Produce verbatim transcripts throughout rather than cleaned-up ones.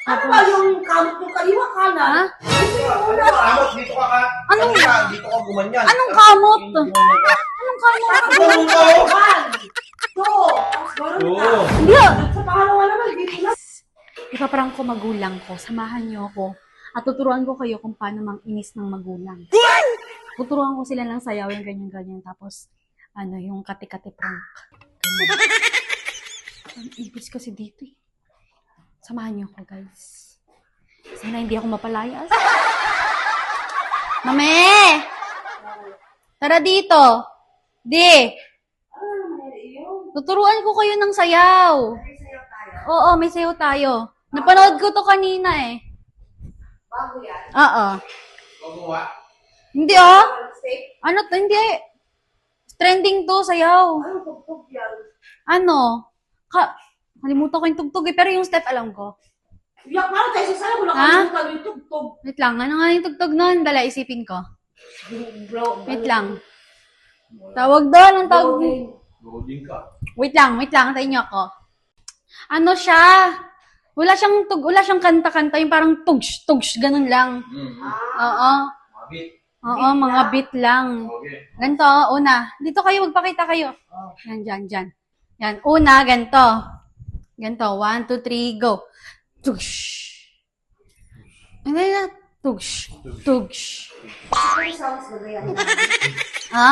Ano ba yung kamot yung kaliwa kanan? Ha? Ano ba? Amot, dito ka ka. Anong- Kanina, dito ka gumanyan. Anong kamot? Hindi gumanyan ka. Anong kamot? Ano ba? One, two, tapos gano'n Oo. ka. Hindi ah. Sa pangalawa naman, dito na. Ipaparang ko magulang ko. Samahan niyo ako. At tuturuan ko kayo kung paano mang-inis ng magulang. Tuturuan ko sila ng sayaw yung ganyan-ganyan. Tapos, ano, yung kati-kati prank. Ganyan. Ang ibig kasi dito eh. Samahan niyo ako, guys. Sana hindi ako mapalayas. Mame! Tara dito. Di. Tuturuan ko kayo ng sayaw. Oo, may sayaw tayo. Napanood ko to kanina eh. Bago yan. Oo. Gumawa. Hindi oh. Safe. Ano to? Hindi. Trending to, sayaw. Ano tugtog yan? Ano? Ka Kalimutan ko yung tugtog eh, pero yung step alam ko. Yak, paano tayo sa sana? Wala Ha? kalimutan yung tugtog. Wait lang, ano nga yung tugtog nun? Dala, isipin ko. Bro, Wait lang. Tawag doon, ang tawag. Loading ka. Wait lang, wait lang, tayo niyo ako. Ano siya? Wala siyang tug, wala siyang kanta-kanta, yung parang tugs, tugs, ganun lang. Hmm. Oo. Mabit. Oo, mga beat lang. Okay. Ganito, una. Dito kayo, magpakita kayo. Yan, dyan, dyan. Yan, una, ganito. Ganito, one, two, three, go. Tugs. Hindi na, tugs. Tugs. Ano sounds ba yan? Ha?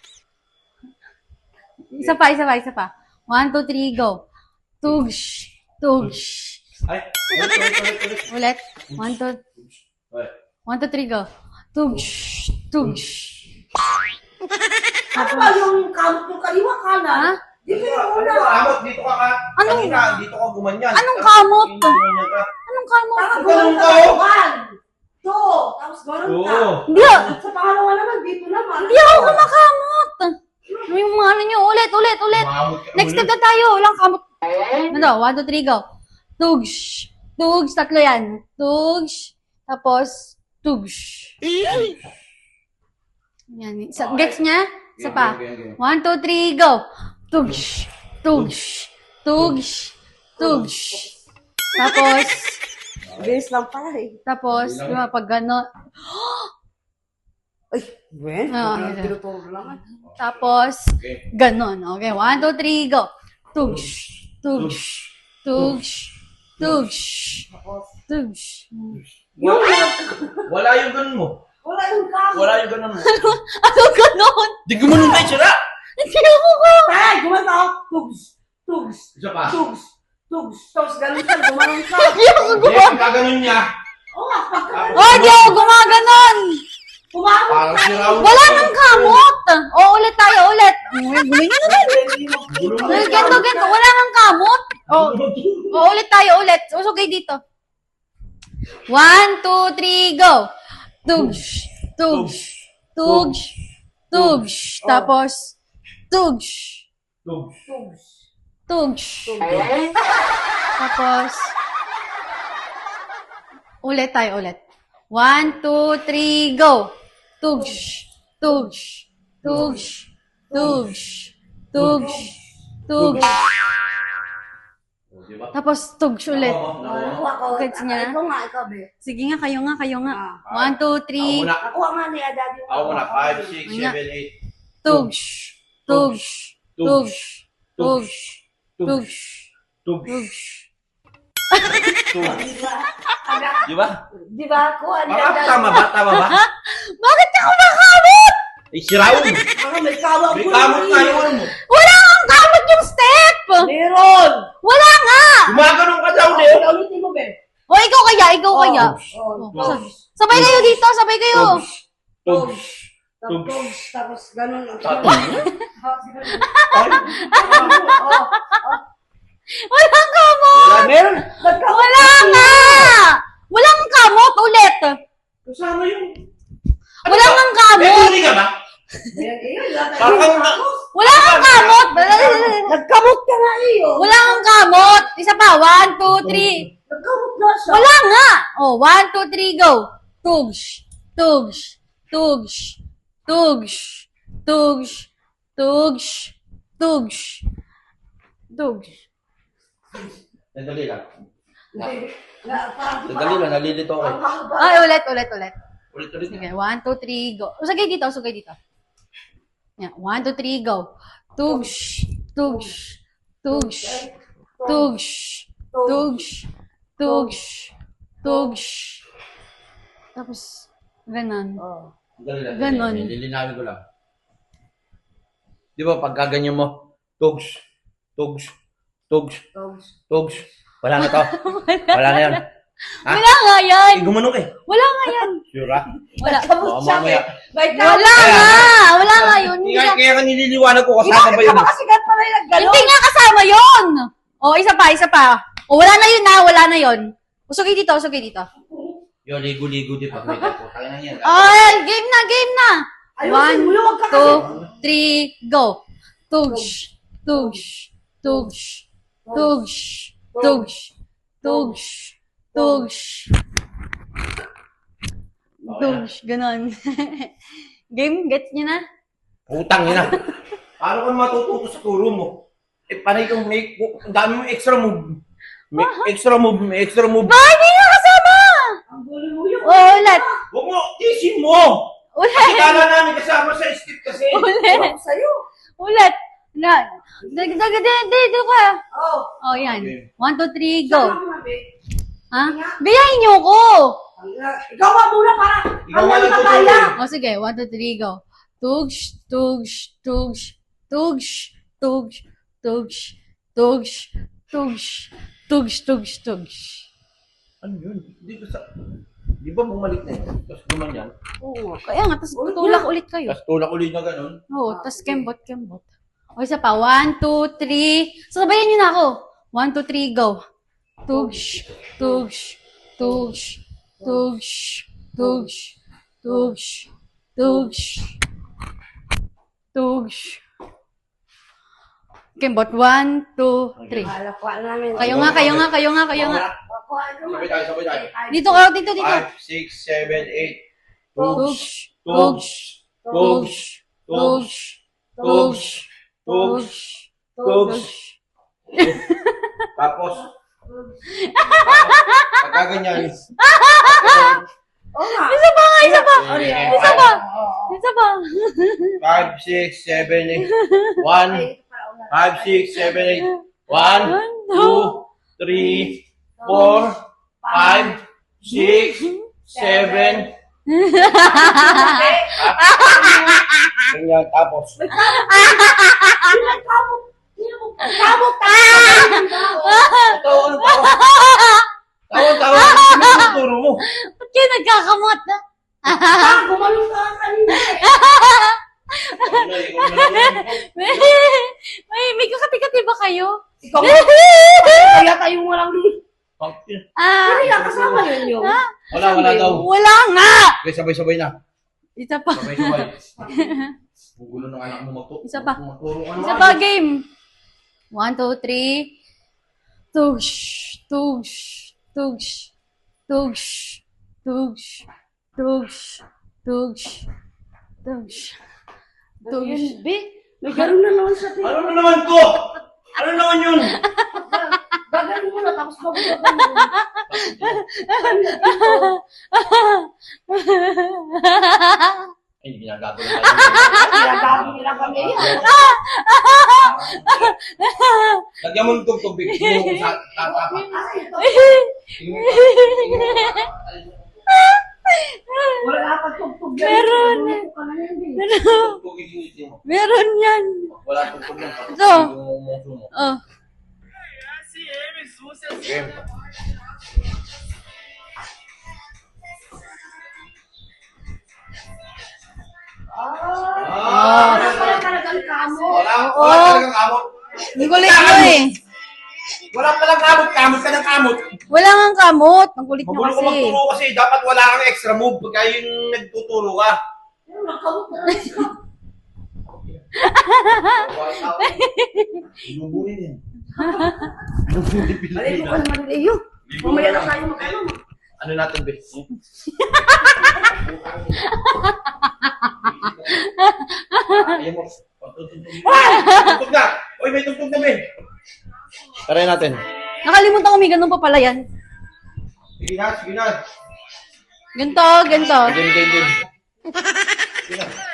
Isa pa, isa pa, isa pa. One, two, three, go. Tugs. Tugs. Ay, ulit, ulit, ulit, ulit. Ulit. One, two, Ay. one, two, three, go. Tugs. Tugs. Ano ba yung kamot yung kaliwa kanan? Ha? Dito Ano yung ba? una. Ano ba? Amot, dito ka ka. Anong- Kanina, dito ka gumanyan. Anong kamot? Hindi gumanyan ka. Anong kamo? Parang Ano gano'n ka, ka. oh? One, two, tapos gano'n ka. Oo. Hindi ah. Sa pangalawa naman, dito naman. Hindi ako kumakamot. Yung mga ano nyo, ulit, ulit, ulit. Umamot ka Next step ulit. na tayo. Walang kamot. Ano, one, two, three, go. Tugs. Tugs, tatlo yan. Tugs. Tapos, tugs. Yan. Isa, gets niya? Isa pa. Okay, okay, okay. One, two, three, go. Tugs. Tugs. Tugs. Tugs. Tapos, Bilis lang pala eh. tapos, di ba, pag gano'n. Ay, Ben, Ah, parang okay. tinuturo lang. Tapos, Okay. ganon. Okay, one, two, three, go. Tugs. Tugs. Tugs. Tugs. Tugs. Yung Wala yung ganun mo. wala yung kamot. Wala yung ganun mo. Ano ganon? Di gumanon tayo sila. Hindi ako ka. Tay, gumano ako. Tugs. Tugs. Isa pa. Tugs. Tugs. Tapos gano'n ka, gumanon ka. Hindi ako Hindi, gumawa. pagka ganun niya. Oo nga, pagka Oh, di ako gumaganon. kumamot Parang ka. si Raul. Wala nang kamot. O, ulit tayo, ulit. Uy, guloy na naman. Gulong mo. Uy, Ganto, ganto. Wala nang kamot. O, o ulit tayo, ulit. Usog kayo dito. One, two, three, go. Tugs. Tugs. Tugs. Tugs. Tapos, tugs. Tugs. Tugs. Tugs. Tapos, ulit tayo, ulit. One, two, three, go. Tugs. Tugs. Tugs. Tugs. Tugs. Tugs. O, diba? Tapos, tugs ulit. Ako, Ako, ako. Gets niya? Ikaw nga, ikaw, be. Sige nga, kayo nga, kayo nga. Ah. One, two, Ako three. muna. Ako nga ni Adad yung... Ako muna. Five, six, Ano? seven, eight. Tugs. Tugs. Tugs. Tugs. Tugs. Tugs. Tugs. Tugs. Diba? Di ba? Di ba ako? Ani Parang Adad. tama ba? Tama ba? Bakit ka kumakamot? Eh, si Raul. Mga may kawa May ko kamot na na eh. yung ano mo. Wala kang kamot yung step! Meron! Wala nga! Gumaganon ka daw, Leo. Ulitin mo, be. O, ikaw kaya, ikaw kaya. Oh, Sa- tugs. Sabay kayo dito, sabay kayo. Tugs. Tugs. Tapos, tugs. Tapos, ganun. Tapos. Oh, Walang kamot! Wala. meron. Nagkawa. Wala nga! Walang kamot ulit! Kasama yung... Wala kang May kamot! huli ka ba? Parang kang na... Wala kang kamot! Nagkamot ka nga iyo. Wala kang kamot! Isa pa, one, two, three. Nagkamot na siya. Wala nga! Oh, one, two, three, go! Tugs! Tugs! Tugs! Tugs! Tugs! Tugs! Tugs! Tugs! Sandali lang. Hindi. Na, parang Sandali lang, nalilito ako. Ang haba. Ay, ulit, ulit, ulit. Ulit-ulit. Sige, one, two, three, go. Usagay dito, usagay dito. Yeah, one, two, three, go. Tugsh, tugsh, tugsh, tugsh, tugsh, tugsh, tugsh. Tapos, ganon. Oh. Sandali lang. Ganon. sandali. Lilinawin ko lang. Di ba, pagka ganyan mo, tugs, tugs, tugs, Dogs. tugs. Wala na to. Wala na yan. Ha? Wala nga yan. Eh, gumanong eh. Wala nga yan. Sure ah? Wala. Oo, mamaya. Wait Wala nga. Wala nga yun. Hindi Kaya, ka- kaya ka nililiwanag ko Hindi kasama ba yun? ka kasi ganun pala yung naggalo. Hindi nga kasama yun. O, isa pa, isa pa. O, wala na yun na, wala na yun. Usugay dito, usugay dito. Yo, ligo-ligo din pag may tapo. Kaya na yan. Ay, game na, game na. Ayusin One, mo yun, wag ka kasi. two, three, go. Tugsh, tugsh, tugsh, tugsh, tugsh, tugsh, tugsh. Tugsh, ganon. Game, gets nyo na? Putang ina. Paano ka matututo sa turo mo? Eh, panay kang may, ang dami mo extra move. May extra move, may extra move. Ba, hindi nga kasama! Ang gulo mo yun. O, ulit. Huwag mo, isin mo! Ulit. Kala namin kasama sa skip kasi. Ulit. Ang sa'yo. Ulit. Na, dag, dag, dag, dito ka. Oh. Oh, yan. Okay. One, two, three, go. Saan ka, babe? Ha? Biyahin niyo ko. Ikaw nga muna para. Ikaw Ang nga dami lang na tuturo kaya. eh. O, sige. One, two, three, go. Tugsh, tugsh, tugsh, tugsh, tugsh, tugsh, tugsh, tugsh, tugsh, tugsh, tugsh. Ano yun? Hindi ko sa... Di ba bumalik na yun? Tapos gumanyan? Oo. Kaya nga, tapos tutulak ulit kayo. Tapos tulak ulit na ganun? Oo, tapos kembot, kembot. O, isa pa. One, two, three. Sabayan niyo na ako. One, two, three, go. Tugsh, tugsh, tugsh, tugsh, tugsh, tugsh, tugsh, tugsh. Kembot. One, two, three. Alakuan namin. Kayo nga, kayo nga, kayo nga, kayo nga. Alakuan naman. Sabay tayo, sabay tayo. Dito ka, dito, dito. Five, six, seven, eight. Tugsh, Tugs, tugsh, tugs, tugsh, tugs, tugsh, tugs. tugsh. Tapos, pagka ganyan. Oo nga. Isa pa nga, isa pa. Isa pa. Isa pa. Five, six, seven, eight. One, five, six, seven, eight. One, two, three, four, five, six, seven. Ganyan, tapos. Kamot. Kamot. Tawa, ano tawa? Tawa, tawa. Ano yung tuturo mo? Ba't kayo nagkakamot? Ah, gumalong ka kanina. Ano, ikaw na lang. May, may, may kakati-kati ba kayo? Ikaw nga. Kaya tayong walang Pangkin. Ah, Kaya kasama yun yung. ah, Wala, wala daw. wala nga! Okay, sabay-sabay na. Isa pa. Sabay-sabay. Gugulo ng anak mo magturo. Isa pa. Magturo ka Isa naman. pa, game. One, two, three. Tugsh, tugsh, tugsh, tugsh, tugsh, tugsh, tugsh, tugsh, tugsh. Be, may gano'n na naman sa Ano na naman to? Ano naman yun? Gagaling mo na, tapos mabugagan mo. Ay, hindi ginagago na tayo. Ginagawa nila kami yan. Lagyan mo ng tugtog, Big. Tingnan mo kung sa tatapak. Ay, ito. Tingnan mo. Tingnan mo. Wala na pagtugtog yan. Meron. Tulungan ko ka na yan, be. Tugtog, initin mo. Meron yan. Wala tugtog yan. Ito. Yung umuso mo. Oh. Game. Ah, wala pala talagang kamo. Wala, wala talagang kamot. Ang kulit mo eh. Wala palang kamot. Kamot ka ng kamot. Wala nga kamot. Ang kulit nyo Magulo ko kasi. magturo kasi dapat wala kang extra move pagka yung nagtuturo ka. Pero nagkamot na lang siya. Inubunin yan. Alay mo ka naman, Leo. Mamaya na tayo magkano. Ano natin, Bes? Ayaw mo. Tugtog na! Uy, may tugtog na, Ben! Try natin. Nakalimutan ko may ganun pa pala yan. Sige na, sige na. Ganto, ganto. Game, game, game. Sige na.